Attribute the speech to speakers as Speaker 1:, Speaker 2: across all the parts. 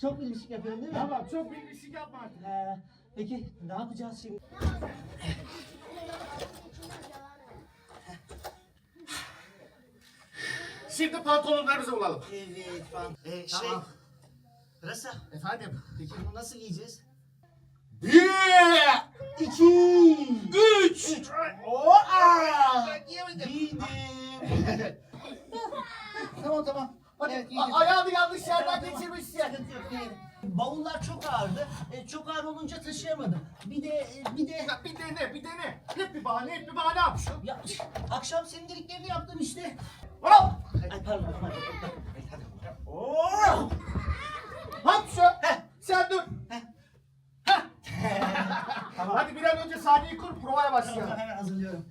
Speaker 1: Çok bilmişlik yapıyorum değil mi?
Speaker 2: Tamam, çok bilmişlik yapma artık.
Speaker 1: Peki ne yapacağız şimdi?
Speaker 2: Şimdi pantolonlarımızı bulalım.
Speaker 1: Evet falan.
Speaker 2: Tamam.
Speaker 1: Rasa.
Speaker 2: Efendim?
Speaker 1: Peki bunu nasıl giyeceğiz?
Speaker 2: 1,
Speaker 1: 2,
Speaker 2: 3.
Speaker 1: Giydim.
Speaker 2: Tamam. Hadi,
Speaker 1: Evet, giydim.
Speaker 2: ayağını yanlış yerden
Speaker 1: Tamam.
Speaker 2: geçirmişsin.
Speaker 1: Sıkıntı yok, giydim. Bavullar çok ağırdı. Çok ağır olunca taşıyamadım. Bir de...
Speaker 2: Ya bir dene. Hep bir bahane yapmışım.
Speaker 1: Ya, akşam senin dediklerini yaptım işte.
Speaker 2: Hop!
Speaker 1: Ay pardon.
Speaker 2: Hop şu. Sen dur.
Speaker 1: Tamam.
Speaker 2: Hadi bir an önce sahneyi kur, provaya başlayalım.
Speaker 1: Tamam, hemen hazırlıyorum.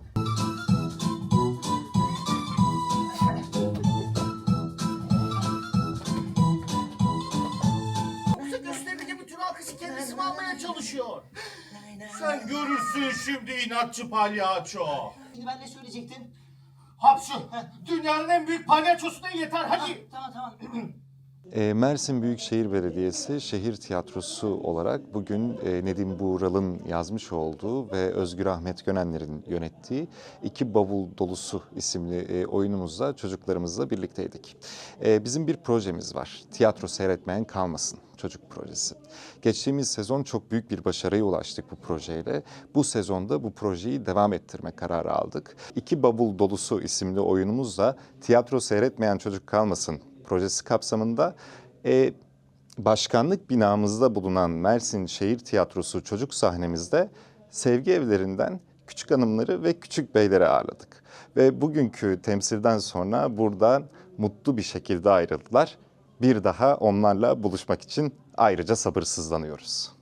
Speaker 2: Yoksa gösterideki bütün alkışı kendisi mi almaya çalışıyor?
Speaker 1: Sen
Speaker 2: Sen görürsün şimdi inatçı palyaço.
Speaker 1: Şimdi ben ne söyleyecektim?
Speaker 2: Hapşu, dünyanın en büyük palyaçosu da yeter hadi.
Speaker 1: Tamam.
Speaker 3: Mersin Büyükşehir Belediyesi Şehir Tiyatrosu olarak bugün Nedim Buğral'ın yazmış olduğu ve Özgür Ahmet Gönenler'in yönettiği İki Bavul Dolusu isimli oyunumuzla çocuklarımızla birlikteydik. Bizim bir projemiz var. Tiyatro seyretmeyen kalmasın çocuk projesi. Geçtiğimiz sezon çok büyük bir başarıya ulaştık bu projeyle. Bu sezonda bu projeyi devam ettirme kararı aldık. İki Bavul Dolusu isimli oyunumuzla tiyatro seyretmeyen çocuk kalmasın projesi kapsamında başkanlık binamızda bulunan Mersin Şehir Tiyatrosu çocuk sahnemizde sevgi evlerinden küçük hanımları ve küçük beyleri ağırladık. Ve bugünkü temsilden sonra buradan mutlu bir şekilde ayrıldılar. Bir daha onlarla buluşmak için ayrıca sabırsızlanıyoruz.